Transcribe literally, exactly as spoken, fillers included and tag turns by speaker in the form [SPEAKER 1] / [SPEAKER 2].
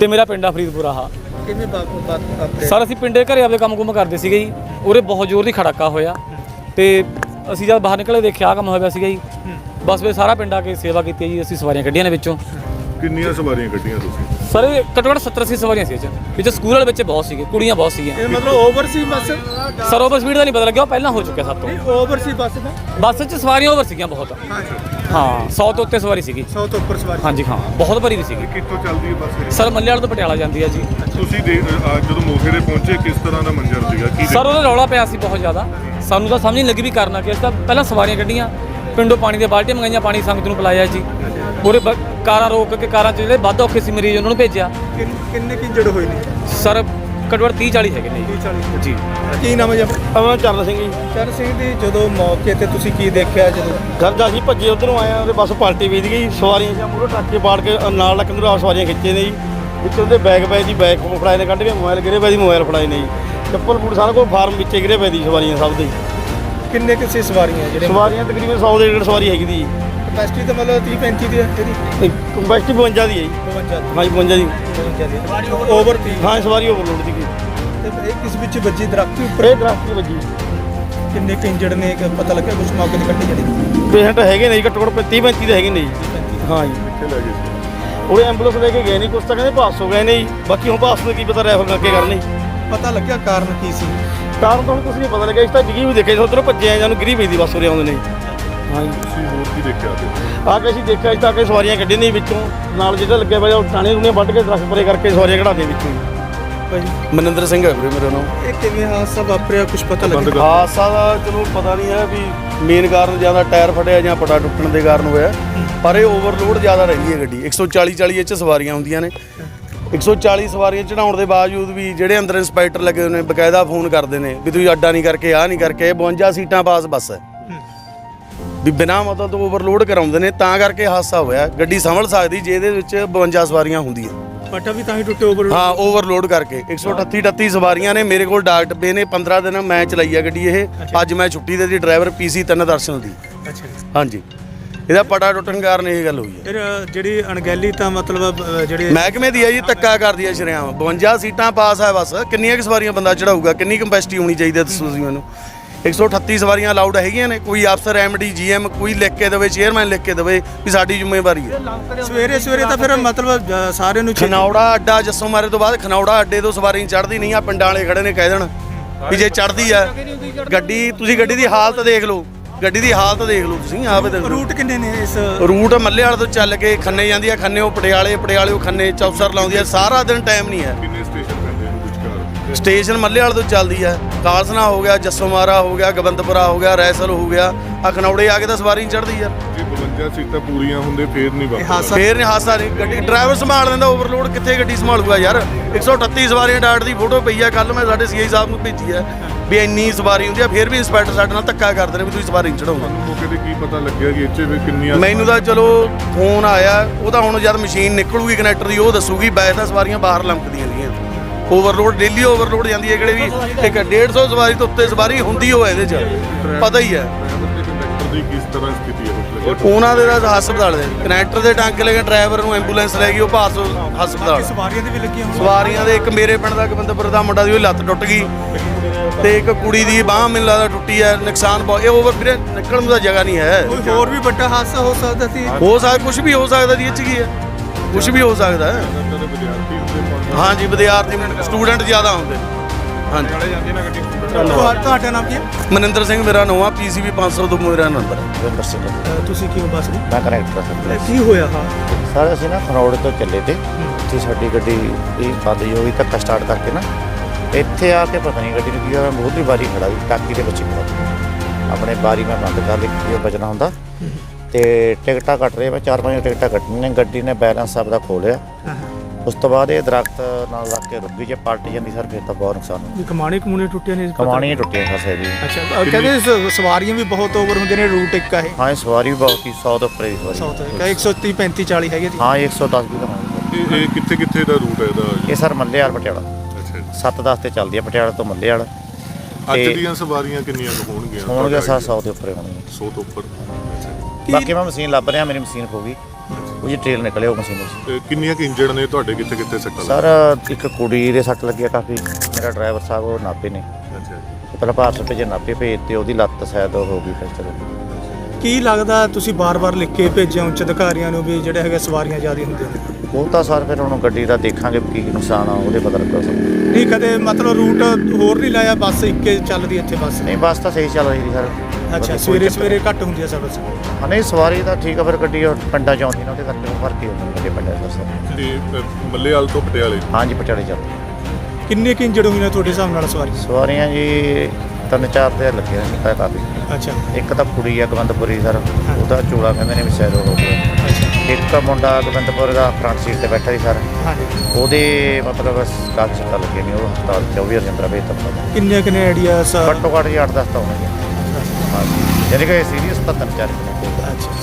[SPEAKER 1] ਤੇ ਮੇਰਾ ਪਿੰਡ ਆ ਫਰੀਦਪੁਰ ਆ।
[SPEAKER 2] ਕਿਵੇਂ ਬਾਤ
[SPEAKER 1] ਸਰ ਅਸੀਂ ਪਿੰਡੇ ਘਰੇ ਆਪਦੇ ਕੰਮ ਕੁਮ ਕਰਦੇ ਸੀਗੇ ਜੀ, ਉਰੇ ਬਹੁਤ ਜ਼ੋਰ ਦੀ ਖੜਾਕਾ ਹੋਇਆ ਤੇ ਅਸੀਂ ਜਦ ਬਾਹਰ ਨਿਕਲੇ ਦੇਖਿਆ ਆਹ ਕੰਮ ਹੋਇਆ ਸੀਗਾ ਜੀ। ਬਸ ਵੇ ਸਾਰਾ ਪਿੰਡ ਆ ਕੇ ਸੇਵਾ ਕੀਤੀ ਜੀ, ਅਸੀਂ ਸਵਾਰੀਆਂ ਕੱਢੀਆਂ ਨੇ ਵਿੱਚੋਂ।
[SPEAKER 3] ਕਿੰਨੀਆਂ ਸਵਾਰੀਆਂ ਕੱਢੀਆਂ ਤੁਸੀਂ?
[SPEAKER 1] ਸਰ ਘੱਟੋ ਘੱਟ ਸੱਤਰ ਅੱਸੀ ਸਵਾਰੀਆਂ ਸੀ ਇਹ 'ਚ, ਵਿੱਚ ਸਕੂਲ ਵਾਲੇ ਬੱਚੇ ਬਹੁਤ ਸੀਗੇ, ਕੁੜੀਆਂ ਬਹੁਤ ਸੀਗੀਆਂ।
[SPEAKER 2] ਇਹ ਮਤਲਬ ਓਵਰ ਸੀ ਬੱਸ?
[SPEAKER 1] ਸਰ ਓਵਰ ਸਪੀਡ ਦਾ ਨਹੀਂ ਪਤਾ ਲੱਗਿਆ, ਉਹ ਪਹਿਲਾਂ ਹੋ ਚੁੱਕਿਆ ਸਭ ਤੋਂ।
[SPEAKER 2] ਓਵਰ ਸੀ ਬੱਸ ਦਾ?
[SPEAKER 1] ਬੱਸ 'ਚ ਸਵਾਰੀਆਂ ਓਵਰ ਸੀਗੀਆਂ ਬਹੁਤ। ਹਾਂ ਸੌ ਤੋਂ ਉੱਤੇ ਸਵਾਰੀ ਸੀਗੀ।
[SPEAKER 2] ਸੌ ਤੋਂ ਉੱਪਰ ਸਵਾਰੀ? ਹਾਂਜੀ
[SPEAKER 1] ਹਾਂ ਬਹੁਤ ਭਰੀ ਵੀ ਸੀਗੀ।
[SPEAKER 3] ਕਿੱਥੋਂ ਚੱਲਦੀ ਹੈ ਬੱਸ?
[SPEAKER 1] ਸਰ ਮੱਲੇ ਵਾਲੇ ਤੋਂ ਪਟਿਆਲਾ ਜਾਂਦੀ ਹੈ ਜੀ।
[SPEAKER 3] ਤੁਸੀਂ ਜਦੋਂ ਮੌਕੇ ਤੇ ਪਹੁੰਚੇ ਕਿਸ ਤਰ੍ਹਾਂ ਦਾ ਮੰਜ਼ਰ ਸੀਗਾ? ਕੀ
[SPEAKER 1] ਸਰ ਉਹਦਾ ਰੌਲਾ ਪਿਆ ਸੀ ਬਹੁਤ ਜ਼ਿਆਦਾ, ਸਾਨੂੰ ਤਾਂ ਸਮਝ ਨਹੀਂ ਲੱਗੀ ਵੀ ਕਰਨਾ ਕੀ। ਅਸੀਂ ਤਾਂ ਪਹਿਲਾਂ ਸਵਾਰੀਆਂ ਕੱਢੀਆਂ, ਪਿੰਡੋਂ ਪਾਣੀ ਦੀਆਂ ਬਾਲਟੀਆਂ ਮੰਗਾਈਆਂ, ਪਾਣੀ ਸੰਗਤ ਨੂੰ ਪਿਲਾਇਆ ਜੀ। ਉਹਦੇ ਕਾਰਾਂ ਰੋਕ ਕੇ ਕਾਰਾਂ 'ਚ ਜਿਹੜੇ ਵੱਧ ਔਖੇ ਸੀ ਮਰੀਜ਼ ਉਹਨਾਂ ਨੂੰ ਭੇਜਿਆ।
[SPEAKER 2] ਕਿੰਨੇ ਕੀ ਜੜ ਹੋਏ ਨੇ
[SPEAKER 1] ਸਰ? ਘੱਟੋ ਘੱਟ ਤੀਹ ਚਾਲੀ ਹੈਗੇ ਨੇ
[SPEAKER 2] ਤੀਹ ਚਾਲੀ
[SPEAKER 1] ਜੀ।
[SPEAKER 2] ਕੀ ਨਾਮ ਹੈ ਜੀ ਆਪਣਾ?
[SPEAKER 4] ਆਪਣਾ ਚਰਨ ਸਿੰਘ ਜੀ।
[SPEAKER 2] ਚਰਨ ਸਿੰਘ ਦੀ ਜਦੋਂ ਮੌਕੇ ਤੇ ਤੁਸੀਂ ਕੀ ਦੇਖਿਆ? ਜਦੋਂ
[SPEAKER 4] ਸਰ ਜਦ ਅਸੀਂ ਭੱਜੇ ਉਧਰੋਂ ਆਏ ਆ ਤੇ ਬੱਸ ਪਲਟੀ ਵੇਚ ਗਈ, ਸਵਾਰੀਆਂ ਜਾਂ ਮੂਹਰੇ ਟਰੱਕ 'ਚ ਬਾੜ ਕੇ ਨਾਲ ਲੱਕ ਨੂੰ ਸਵਾਰੀਆਂ ਖਿੱਚੇ ਨੇ ਜੀ। ਵਿੱਚ ਉਹਦੇ ਬੈਗ ਪਏ ਜੀ, ਬੈਗ ਫੜਾਏ ਨੇ ਕੱਢ ਕੇ, ਮੋਬਾਈਲ ਗਿਰੇ ਪਏ ਜੀ, ਮੋਬਾਈਲ ਫੜਾਏ ਨੇ ਜੀ। ਚੱਪਲ ਬੂਟ ਸਾਰਾ ਕੁਝ ਫਾਰਮ ਵਿੱਚੇ ਗਿਰੇ ਪਏ ਦੀ ਸਵਾਰੀਆਂ ਸਭ ਦੇ।
[SPEAKER 2] ਕਿੰਨੇ ਕਿਸੇ ਸਵਾਰੀਆਂ ਜਿਹੜੇ?
[SPEAKER 4] ਸਵਾਰੀਆਂ ਤਕਰੀਬਨ ਸੌ ਦੇ ਡੇਢ ਸਵਾਰੀ ਹੈਗੀ ਦੀ।
[SPEAKER 2] ਕਪੈਸਿਟੀ ਤਾਂ ਮਤਲਬ ਤੀਹ ਪੈਂਤੀ ਦੀ ਹੈ ਇਹਦੀ?
[SPEAKER 4] ਕਪੈਸਿਟੀ ਬਵੰਜਾ ਦੀ ਹੈ ਜੀ।
[SPEAKER 2] ਬਵੰਜਾ ਦੀ?
[SPEAKER 4] ਹਾਂਜੀ ਬਵੰਜਾ ਦੀ।
[SPEAKER 2] ਬਵੰਜਾ ਦੀ ਓਵਰ ਤੀਹ?
[SPEAKER 4] ਹਾਂ ਸਵਾਰੀ ਓਵਰਲੋਡ ਦੀ।
[SPEAKER 2] ਤੇ ਇਹ ਕਿਸ ਵਿੱਚ ਵੱਜੀ? ਦਰਖਤ ਦੇ ਉੱਪਰ?
[SPEAKER 4] ਇਹ ਦਰਖਤ 'ਚ ਵੱਜੀ।
[SPEAKER 2] ਕਿੰਨੇ ਕੁ ਇੰਜਰਡ ਨੇ ਪਤਾ ਲੱਗਿਆ ਕੁਛ ਮੌਕੇ ਤੇ ਕੱਢੇ ਜਿਹੜੇ?
[SPEAKER 4] ਪੇਸ਼ੈਂਟ ਹੈਗੇ ਨੇ ਜੀ ਘੱਟੋ ਘੱਟ ਤੀਹ ਪੈਂਤੀ ਦੇ ਹੈਗੇ ਨੇ ਜੀ। ਹਾਂ ਜੀ।
[SPEAKER 3] ਕਿੱਥੇ ਲੈ ਗਏ ਸੀ?
[SPEAKER 4] ਉਹਦੇ ਐਂਬੂਲੈਂਸ ਲੈ ਕੇ ਗਏ ਨਹੀਂ, ਕੁਛ ਤਾਂ ਕਹਿੰਦੇ ਪਾਸ ਹੋ ਗਏ ਨੇ ਜੀ। ਬਾਕੀ ਹੁਣ ਪਾਸ ਨੂੰ ਕੀ ਪਤਾ ਰੈਫਰ ਅੱਗੇ ਕਰਨੀ।
[SPEAKER 2] ਪਤਾ ਲੱਗਿਆ ਕਾਰਨ ਕੀ ਸੀ?
[SPEAKER 4] ਕਾਰਨ ਤਾਂ ਹੁਣ ਕੁਛ ਨਹੀਂ ਪਤਾ ਲੱਗਿਆ। ਇਸ ਤਾਂ ਡਿੱਗੀ ਵੀ ਦੇਖਿਆ, ਉਧਰੋਂ ਭੱਜੇ ਆ ਜਾਨੂੰ ਗਿਰੀ ਪਈ ਦੀ ਬੱਸ ਉਰੇ ਆਉਂਦੇ ਨੇ। ਹਾਂ ਜੀ।
[SPEAKER 3] ਤੁਸੀਂ ਹੋਰ ਕੀ ਦੇਖਿਆ ਤੇ?
[SPEAKER 4] ਆ ਕੇ ਅਸੀਂ ਦੇਖਿਆ ਇਸ ਤਾਂ ਕਿ ਸਵਾਰੀਆਂ ਕੱਢੀਆਂ ਨੇ ਵਿੱਚੋਂ, ਨਾਲ ਜਿਹੜਾ ਲੱਗਿਆ ਪਿਆ ਉਹ ਟਾਣੇ ਟੂਣੇ ਵੱਢ ਕੇ ਦਰਖਤ ਪਰੇ ਕਰਕੇ ਸਵਾਰੀਆਂ ਕਢਾਦੇ ਵਿੱਚੋਂ।
[SPEAKER 2] ਭਾਈ
[SPEAKER 4] ਮਨਿੰਦਰ ਸਿੰਘ ਹੈ ਵੀਰੇ ਮੇਰਾ ਨਾਮ।
[SPEAKER 2] ਇਹ ਕਿਵੇਂ ਹਾਦਸਾ ਵਾਪਰਿਆ ਕੁਝ ਪਤਾ ਲੱਗਿਆ?
[SPEAKER 4] ਹਾਦਸਾ ਦਾ ਚਲੋ ਪਤਾ ਨਹੀਂ ਹੈ ਵੀ ਮੇਨ ਕਾਰਨ ਜ਼ਿਆਦਾ ਟਾਇਰ ਫਟਿਆ ਜਾਂ ਪਟਾ ਟੁੱਟਣ ਦੇ ਕਾਰਨ ਹੋਇਆ, ਪਰ ਇਹ ਓਵਰਲੋਡ ਜ਼ਿਆਦਾ ਰਹਿੰਦੀ ਹੈ ਗੱਡੀ। ਇੱਕ ਸੌ ਚਾਲੀ ਚਾਲੀ ਇਹ 'ਚ ਸਵਾਰੀਆਂ ਹੁੰਦੀਆਂ ਨੇ। ਇੱਕ ਸੌ ਚਾਲੀ ਸਵਾਰੀਆਂ ਚੜਾਉਣ ਦੇ ਬਾਵਜੂਦ ਵੀ ਜਿਹੜੇ ਅੰਦਰ ਇੰਸਪੈਕਟਰ ਲੱਗੇ ਹੋਏ ਨੇ ਬਕਾਇਦਾ ਫੋਨ ਕਰਦੇ ਨੇ ਵੀ ਤੁਸੀਂ ਅੱਡਾ ਨਹੀਂ ਕਰਕੇ ਆਹ ਨਹੀਂ ਕਰਕੇ। ਇਹ ਬਵੰਜਾ ਸੀਟਾਂ ਪਾਸ ਬੱਸ ਹੈ ਵੀ ਬਿਨਾਂ ਮਤਲਬ ਤੋਂ ਓਵਰਲੋਡ ਕਰਾਉਂਦੇ ਨੇ, ਤਾਂ ਕਰਕੇ ਹਾਦਸਾ ਹੋਇਆ। ਗੱਡੀ ਸੰਭਲ ਸਕਦੀ ਜੇ ਇਹਦੇ ਵਿੱਚ ਬਵੰਜਾ ਸਵਾਰੀਆਂ ਹੁੰਦੀਆਂ।
[SPEAKER 2] ਪਟਾ ਵੀ ਤਾਂ ਹੀ ਟੁੱਟੇ ਓਵਰ?
[SPEAKER 4] ਹਾਂ ਓਵਰਲੋਡ ਕਰਕੇ। ਇੱਕ ਸੌ ਅਠੱਤੀ ਅਠੱਤੀ ਸਵਾਰੀਆਂ ਨੇ। ਮੇਰੇ ਕੋਲ ਡਾਕ ਡੱਬੇ ਨੇ। ਪੰਦਰਾਂ ਦਿਨ ਮੈਂ ਚਲਾਈ ਆ ਗੱਡੀ ਇਹ। ਅੱਜ ਮੈਂ ਛੁੱਟੀ ਦੇ ਦੀ ਡਰਾਈਵਰ ਪੀਸੀ ਤਿੰਨ ਦਰਸ਼ਨ ਦੀ।
[SPEAKER 2] ਅੱਛਾ ਜੀ।
[SPEAKER 4] ਹਾਂਜੀ ਇਹਦਾ ਪਟਾ ਟੁੱਟਣ ਕਾਰਨ ਇਹ ਗੱਲ ਹੋਈ ਹੈ।
[SPEAKER 2] ਫਿਰ ਜਿਹੜੀ ਅਣਗਹਿਲੀ ਤਾਂ ਮਤਲਬ ਜਿਹੜੀ
[SPEAKER 4] ਮਹਿਕਮੇ ਦੀ ਹੈ ਜੀ, ਧੱਕਾ ਕਰਦੀ ਹੈ ਸ਼ਰੇਆਮ। ਬਵੰਜਾ ਸੀਟਾਂ ਪਾਸ ਹੈ ਬੱਸ, ਕਿੰਨੀਆਂ ਕੁ ਸਵਾਰੀਆਂ ਬੰਦਾ ਚੜਾਊਗਾ? ਕਿੰਨੀ ਕੰਪੈਸਿਟੀ ਹੋਣੀ ਚਾਹੀਦੀ ਹੈ ਦੱਸੋ ਤੁਸੀਂ ਮੈਨੂੰ? ਇੱਕ ਸੌ ਅਠੱਤੀ ਸਵਾਰੀਆਂ ਅਲਾਊਡ ਹੈਗੀਆਂ ਨੇ। ਕੋਈ ਅਫਸਰ ਐਮ ਡੀ ਜੀ ਐਮ ਕੋਈ ਲਿਖ ਕੇ ਦੇਵੇ, ਚੇਅਰਮੈਨ ਲਿਖ ਕੇ ਦੇਵੇ ਵੀ ਸਾਡੀ ਜ਼ਿੰਮੇਵਾਰੀ ਹੈ।
[SPEAKER 2] ਸਵੇਰੇ ਸਵੇਰੇ ਤਾਂ ਫਿਰ ਮਤਲਬ ਸਾਰਿਆਂ ਨੂੰ
[SPEAKER 4] ਖਨੌੜਾ ਅੱਡਾ ਜੱਸੋਂ ਮਾਰੇ ਤੋਂ ਬਾਅਦ ਖਨੌੜਾ ਅੱਡੇ ਤੋਂ ਸਵਾਰੀ ਚੜ੍ਹਦੀ ਨਹੀਂ ਆ। ਪਿੰਡਾਂ ਵਾਲੇ ਖੜੇ ਨੇ ਕਹਿ ਦੇਣ ਵੀ ਜੇ ਚੜ੍ਹਦੀ ਆ ਗੱਡੀ, ਤੁਸੀਂ ਗੱਡੀ ਦੀ ਹਾਲਤ ਦੇਖ ਲਓ, ਗੱਡੀ ਦੀ ਹਾਲਤ ਦੇਖ ਲਓ ਤੁਸੀਂ ਆਪੇ ਦੇਖ ਲਓ।
[SPEAKER 2] ਰੂਟ ਕਿੰਨੇ ਨੇ ਇਸ?
[SPEAKER 4] ਰੂਟ ਮੱਲੇ ਵਾਲੇ ਤੋਂ ਚੱਲ ਕੇ ਖੰਨੇ ਜਾਂਦੀ ਆ, ਖੰਨੇ ਉਹ ਪਟਿਆਲੇ, ਪਟਿਆਲੇ ਉਹ ਖੰਨੇ ਚੌਪਸਰ ਲਾਉਂਦੀ ਆ। ਸਾਰਾ ਦਿਨ ਟਾਈਮ ਨਹੀਂ ਹੈ।
[SPEAKER 3] ਕਿੰਨੇ ਸਟੇਸ਼ਨ ਪੈਂਦੇ ਨੇ ਵਿਚਕਾਰ?
[SPEAKER 4] ਸਟੇਸ਼ਨ ਮੱਲੇ ਵਾਲੇ ਤੋਂ ਚੱਲਦੀ ਹੈ, ਕਾਲਸਨਾ ਹੋ ਗਿਆ, ਜੱਸੋ ਮਾਰਾ ਹੋ ਗਿਆ, ਗੋਬਿੰਦਪੁਰਾ ਹੋ ਗਿਆ, ਰੈਸਲ ਹੋ ਗਿਆ, ਆ ਖਨੌੜੇ ਆ ਕੇ ਤਾਂ ਸਵਾਰੀ ਨਹੀਂ ਚੜ੍ਹਦੀ ਯਾਰ।
[SPEAKER 3] ਜੇ ਬਵੰਜਾ ਸੀਟਾਂ ਪੂਰੀਆਂ ਹੁੰਦੇ ਫੇਰ ਨਹੀਂ ਵਾਪਰਦਾ।
[SPEAKER 4] ਫੇਰ ਨਹੀਂ ਹਾਦਸਾ ਨਹੀਂ। ਗੱਡੀ ਡਰਾਈਵਰ ਸੰਭਾਲ ਲੈਂਦਾ, ਓਵਰਲੋਡ ਕਿੱਥੇ ਗੱਡੀ ਸੰਭਾਲੂਗਾ ਯਾਰ। ਇੱਕ ਸੌ ਅਠੱਤੀ ਸਵਾਰੀਆਂ ਡਾਟ ਦੀ ਫੋਟੋ ਪਈ ਆ, ਕੱਲ ਮੈਂ ਸਾਡੇ ਸੀ ਆਈ ਸਾਹਿਬ ਨੂੰ ਭੇਜੀ ਆ ਵੀ ਇੰਨੀ ਸਵਾਰੀ ਹੁੰਦੀ ਆ, ਫੇਰ ਵੀ ਇੰਸਪੈਕਟਰ ਸਾਡੇ ਨਾਲ ਧੱਕਾ ਕਰਦੇ ਨੇ ਵੀ ਤੁਸੀਂ ਸਵਾਰੀ ਨਹੀਂ ਚੜਾਉਂਦੇ।
[SPEAKER 3] ਮੌਕੇ ਤੇ ਕੀ ਪਤਾ ਲੱਗਿਆ ਕਿ ਇੱਥੇ ਵੀ ਕਿੰਨੀਆਂ?
[SPEAKER 4] ਮੈਨੂੰ ਤਾਂ ਚਲੋ ਫੋਨ ਆਇਆ, ਉਹ ਤਾਂ ਹੁਣ ਜਦ ਮਸ਼ੀਨ ਨਿਕਲੂਗੀ ਕਨੈਕਟਰ ਦੀ ਉਹ ਦੱਸੂਗੀ। ਵੈਸੇ ਤਾਂ ਸਵਾਰੀਆਂ ਬਾਹਰ ਲੰਕਦੀਆਂ ਰਹੀਆਂ। ਓਵਰਲੋਡ ਡੇਲੀ ਓਵਰਲੋਡ ਜਾਂਦੀ ਹੈ, ਕਿਹੜੇ ਵੀ ਇੱਕ ਡੇਢ ਸੌ ਸਵਾਰੀ ਤੋਂ ਉੱਤੇ ਸਵਾਰੀ ਹੁੰਦੀ ਹੋਏ ਇਹਦੇ 'ਚ ਪਤਾ ਹੀ ਹੈ।
[SPEAKER 3] ਦੀ ਕਿਸ ਤਰ੍ਹਾਂ ਸਥਿਤੀ ਹੈ?
[SPEAKER 4] ਉਹਨਾਂ ਦੇ ਤਾਂ ਹਸਪਤਾਲ ਦੇ ਕਨੈਕਟਰ ਦੇ ਟਾਂਕੇ ਲੈ ਕੇ ਡਰਾਈਵਰ ਨੂੰ ਐਂਬੂਲੈਂਸ ਲੈ ਗਈ, ਉਹ ਭਾਸ ਹਸਪਤਾਲ।
[SPEAKER 2] ਸਵਾਰੀਆਂ ਦੇ ਵੀ ਲੱਗੀਆਂ ਹੋਣ?
[SPEAKER 4] ਸਵਾਰੀਆਂ ਦੇ ਇੱਕ ਮੇਰੇ ਪਿੰਡ ਦਾ ਗੋਬਿੰਦਪੁਰ ਦਾ ਮੁੰਡਾ ਦੀ ਉਹ ਲੱਤ ਟੁੱਟ ਗਈ ਤੇ ਇੱਕ ਕੁੜੀ ਦੀ ਬਾਂਹ ਮੈਨੂੰ ਲੱਗਦਾ ਟੁੱਟੀ ਹੈ। ਨੁਕਸਾਨ ਬਹੁਤ। ਇਹ ਓਵਰ ਵੀਰੇ ਨਿਕਲਣ ਨੂੰ ਤਾਂ ਜਗ੍ਹਾ ਨਹੀਂ ਹੈ।
[SPEAKER 2] ਕੋਈ ਹੋਰ ਵੀ ਵੱਡਾ ਹਾਦਸਾ ਹੋ ਸਕਦਾ ਸੀ?
[SPEAKER 4] ਹੋ ਸਕਦਾ, ਕੁਝ ਵੀ ਹੋ ਸਕਦਾ ਜੀ। ਇਹ 'ਚ ਕੀ ਹੈ, ਕੁਝ ਵੀ ਹੋ ਸਕਦਾ ਹੈ।
[SPEAKER 3] ਵਿਦਿਆਰਥੀ ਹੁੰਦੇ
[SPEAKER 4] ਹਾਂਜੀ ਵਿਦਿਆਰਥੀ ਸਟੂਡੈਂਟ ਜ਼ਿਆਦਾ ਹੁੰਦੇ। ਹਾਂਜੀ
[SPEAKER 2] ਤੁਹਾਡਾ ਨਾਮ ਕੀ ਹੈ?
[SPEAKER 4] ਮਨਿੰਦਰ ਸਿੰਘ ਮੇਰਾ ਨਾਮ ਆ। ਪੀ ਸੀ ਬੀ ਪੰਜ ਸੌ ਤੋਂ ਮੇਰਾ ਨੰਬਰ ਹੈ।
[SPEAKER 2] ਤੁਸੀਂ ਕਿਉਂ ਬੱਸ ਨਹੀਂ?
[SPEAKER 5] ਮੈਂ ਕਨੈਕਟਰ ਹਾਂ।
[SPEAKER 2] ਕੀ ਹੋਇਆ? ਹਾਂ
[SPEAKER 5] ਸਰ ਅਸੀਂ ਨਾ ਖਰੋੜ ਤੋਂ ਚੱਲੇ ਤੇ ਇੱਥੇ ਸਾਡੀ ਗੱਡੀ ਇਹ ਬੰਦ ਹੋ ਗਈ, ਧੱਕਾ ਸਟਾਰਟ ਕਰਕੇ ਨਾ ਇੱਥੇ ਆ ਕੇ ਪਤਾ ਨਹੀਂ ਗੱਡੀ ਨੂੰ ਕੀ ਹੋਇਆ। ਮੈਂ ਬਹੁਤ ਹੀ ਵਾਰੀ ਖੜਾ ਸੀ ਟਾਕੀ ਦੇ ਬੱਚੇ ਖੜਾ, ਆਪਣੇ ਬਾਰੀ ਮੈਂ ਬੰਦ ਕਰ ਲਈ ਕੀ ਬਚਣਾ ਹੁੰਦਾ ਤੇ ਟਿਕਟਾਂ ਕੱਟ ਰਹੇ। ਮੈਂ ਚਾਰ ਪੰਜ ਟਿਕਟਾਂ ਕੱਟਣੀਆਂ ਨੇ। ਗੱਡੀ ਨੇ ਬੈਲੈਂਸ ਆਪਦਾ ਖੋ ਲਿਆ। ਉਸ ਤੋਂ ਬਾਅਦ ਇਹ ਦਰਖਤ ਨਾਲ ਲੱਗ ਕੇ ਰੁਕ ਗਈ। ਜੇ ਪਲਟ ਜਾਂਦੀ ਸਰ ਫਿਰ ਤਾਂ ਬਹੁਤ ਨੁਕਸਾਨ ਹੋਇਆ।
[SPEAKER 2] ਕਮਾਣੇ ਕਮੂਣੇ ਟੁੱਟੇ ਨੇ?
[SPEAKER 5] ਕਮਾਣੀਆਂ ਟੁੱਟੀਆਂ ਫਸੇ ਦੀ।
[SPEAKER 2] ਅੱਛਾ ਕਹਿੰਦੇ ਸਵਾਰੀਆਂ ਵੀ ਬਹੁਤ ਓਵਰ ਹੁੰਦੇ ਨੇ। ਰੂਟ ਇੱਕ ਆ ਇਹ?
[SPEAKER 5] ਹਾਂ ਸਵਾਰੀ ਵੀ ਬਹੁਤ ਹੀ ਸੌ ਤੋਂ ਉੱਪਰ ਦੀ ਸਵਾਰੀ।
[SPEAKER 2] ਸੌ ਤੋਂ ਇੱਕ ਸੌ ਤੀਹ ਪੈਂਤੀ ਚਾਲੀ ਹੈਗੇ?
[SPEAKER 5] ਹਾਂ ਇੱਕ ਸੌ ਦਸ ਵੀ ਤਾਂ ਹੋਣਗੇ।
[SPEAKER 3] ਇਹ ਕਿੱਥੇ ਕਿੱਥੇ ਦਾ ਰੂਟ ਹੈ ਇਹਦਾ?
[SPEAKER 5] ਇਹ ਸਰ ਮੱਲੇ ਵਾਲ ਪਟਿਆਲਾ
[SPEAKER 3] ਅੱਛਾ
[SPEAKER 5] ਸੱਤ ਦਸ ਤੇ ਚੱਲਦੀ ਹੈ, ਪਟਿਆਲਾ ਤੋਂ ਮੱਲੇ ਵਾਲਾ।
[SPEAKER 3] ਅੱਜ ਦੀਆਂ ਸਵਾਰੀਆਂ ਕਿੰਨੀਆਂ ਕੁ ਹੋਣਗੀਆਂ?
[SPEAKER 5] ਹੋਣਗੇ ਸੱਤ ਸੌ ਦੇ ਉੱਪਰ ਹੋਣਗੀਆਂ।
[SPEAKER 3] ਸੌ ਤੋਂ ਉੱਪਰ।
[SPEAKER 5] ਬਾਕੀ ਮੈਂ ਮਸ਼ੀਨ ਲੱਭ ਰਿਹਾ, ਮੇਰੀ ਮਸ਼ੀਨ ਖੋ ਗਈ। ਉਹ ਜੀ ਟ੍ਰੇਲ ਨਿਕਲੇ ਉਹ ਮਸ਼ੀਨ 'ਚ।
[SPEAKER 3] ਤੇ ਕਿੰਨੀਆਂ ਕਿ ਇੰਜਰਡ ਨੇ ਤੁਹਾਡੇ, ਕਿੱਥੇ ਕਿੱਥੇ ਸੱਟਾਂ
[SPEAKER 5] ਸਰ ਇੱਕ ਕੁੜੀ ਦੇ ਸੱਟ ਲੱਗਿਆ ਕਾਫੀ। ਮੇਰਾ ਡਰਾਈਵਰ ਸਾਹਿਬ ਉਹ ਨਾਭੇ ਨੇ,
[SPEAKER 3] ਲੱਗੀਆਂ? ਅੱਛਾ ਜੀ।
[SPEAKER 5] ਪਹਿਲਾਂ ਭਾਰਤ ਭੇਜੇ, ਨਾਭੇ ਭੇਜ ਤੇ ਉਹਦੀ ਲੱਤ ਸ਼ਾਇਦ ਹੋ ਗਈ ਫ੍ਰੈਕਚਰ।
[SPEAKER 2] ਕੀ ਲੱਗਦਾ ਤੁਸੀਂ ਬਾਰ-ਬਾਰ ਲਿਖ ਕੇ ਭੇਜਿਆ ਉੱਚ ਅਧਿਕਾਰੀਆਂ ਨੂੰ ਵੀ ਜਿਹੜੇ ਹੈਗੇ ਸਵਾਰੀਆਂ ਜ਼ਿਆਦਾ ਹੁੰਦੀਆਂ ਨੇ?
[SPEAKER 5] ਉਹ ਤਾਂ ਸਰ ਫਿਰ ਹੁਣ ਗੱਡੀ ਦਾ ਦੇਖਾਂਗੇ ਕੀ ਨੁਕਸਾਨ ਆ, ਉਹਦੇ ਪਤਾ ਲੱਗਾ ਸਰ।
[SPEAKER 2] ਨਹੀਂ ਕਦੇ ਮਤਲਬ ਰੂਟ ਹੋਰ ਨਹੀਂ ਲਾਇਆ, ਬੱਸ ਇੱਕੇ ਚੱਲਦੀ ਇੱਥੇ ਬੱਸ?
[SPEAKER 5] ਨਹੀਂ ਬੱਸ ਤਾਂ ਸਹੀ ਚੱਲ ਰਹੀ ਸੀ ਸਰ।
[SPEAKER 2] ਅੱਛਾ, ਸਵੇਰੇ ਸਵੇਰੇ ਘੱਟ ਹੁੰਦੀ ਹੈ ਸਰਵਿਸ?
[SPEAKER 5] ਹਾਂ ਨਹੀਂ ਸਵਾਰੀ ਤਾਂ ਠੀਕ ਆ, ਫਿਰ ਗੱਡੀ ਉਹ ਪਿੰਡਾਂ 'ਚ ਆਉਂਦੀ ਨਾ, ਉਹਦੇ ਕਰਕੇ ਭਰਤੀ ਹੋ ਜਾਂਦੀ ਹੈ ਪਿੰਡਾਂ 'ਚ ਸਰ।
[SPEAKER 3] ਤੇ ਅ, ਮੱਲੇਵਾਲ ਤੋਂ ਪਟਿਆਲੇ
[SPEAKER 5] ਹਾਂਜੀ ਪਟਿਆਲੇ ਚੱਲਦੀ।
[SPEAKER 2] ਕਿੰਨੇ ਕੁ ਇੰਜਰਡ ਹੋਈਆਂ ਨੇ ਤੁਹਾਡੇ ਹਿਸਾਬ ਨਾਲ ਸਵਾਰੀ?
[SPEAKER 5] ਸਵਾਰੀਆਂ ਜੀ ਤਿੰਨ ਚਾਰ ਤੇ ਲੱਗੇ ਨੇ ਨਿਕਲਿਆ ਕਾਫੀ।
[SPEAKER 2] ਅੱਛਾ
[SPEAKER 5] ਇੱਕ ਤਾਂ ਕੁੜੀ ਆ ਗਵੰਦਪੁਰੀ ਸਰ, ਉਹਦਾ ਚੋਲਾ ਕਹਿੰਦੇ ਨੇ ਵੀ ਸ਼ਾਇਦ ਉਹ ਹੋ ਗਿਆ।
[SPEAKER 2] ਅੱਛਾ
[SPEAKER 5] ਇੱਕ ਮੁੰਡਾ ਗਵੰਦਪੁਰ ਦਾ ਫਰੰਟ ਸੀਟ ਤੇ ਬੈਠਾ ਸੀ ਸਰ,
[SPEAKER 2] ਹਾਂਜੀ।
[SPEAKER 5] ਉਹਦੇ ਮਤਲਬ ਕਾਫੀ ਸੱਟਾਂ ਲੱਗੀਆਂ ਨੇ, ਉਹ ਹਸਪਤਾਲ ਚੌਵੀ ਰਜਿੰਦਰਾ ਭੇਜਤਾ ਪਤਾ।
[SPEAKER 2] ਕਿੰਨੇ ਕਿੰਨੇ ਆਈਡੀਆ ਸਰ?
[SPEAKER 5] ਘੱਟੋ ਘੱਟ ਜੀ ਅੱਠ ਦਸ ਤਾਂ ਹੋਣਗੇ। ਹਾਂਜੀ ਯਾਨੀ ਕਿ ਸੀਰੀਅਸ ਤਾਂ ਤਿੰਨ ਚਾਰ ਨੇ।
[SPEAKER 2] ਅੱਛਾ